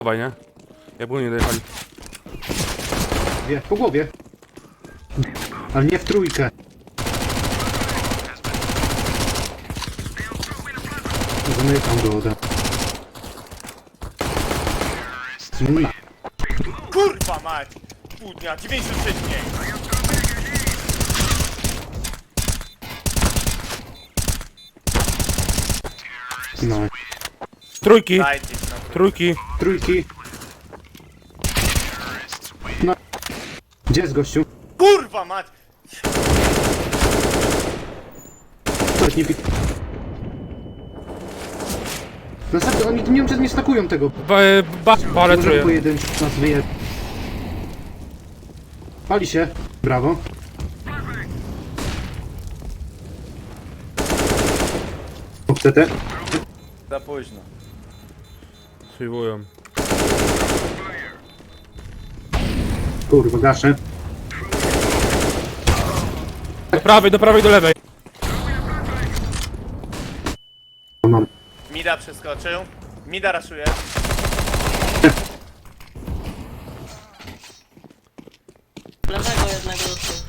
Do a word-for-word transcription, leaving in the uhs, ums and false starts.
Dawaj, nie? Jak było nie dojechali. Wie, po głowie. Ale nie w trójkę. Zamykam go ode. Zmieniła. Kurwa mać! Pół dnia, dziewięćdziesiąt sześć dni! No. Trójki! Dajcie się na to. Trójki! Trójki. No. Gdzie jest gościu? Kurwa mać! Ktoś nie pi... Następnie oni nie wiem czy nie stakują tego. Ba, ba, bale Może czuję. pojedynczy nas wyje... Pali się. Brawo. C T. Za późno. Sejwują. Kurwa, gaszę. Do prawej, do prawej, do lewej. Mam. Mida przeskoczył. Mida raszuje. Lewego jednego do tyłu.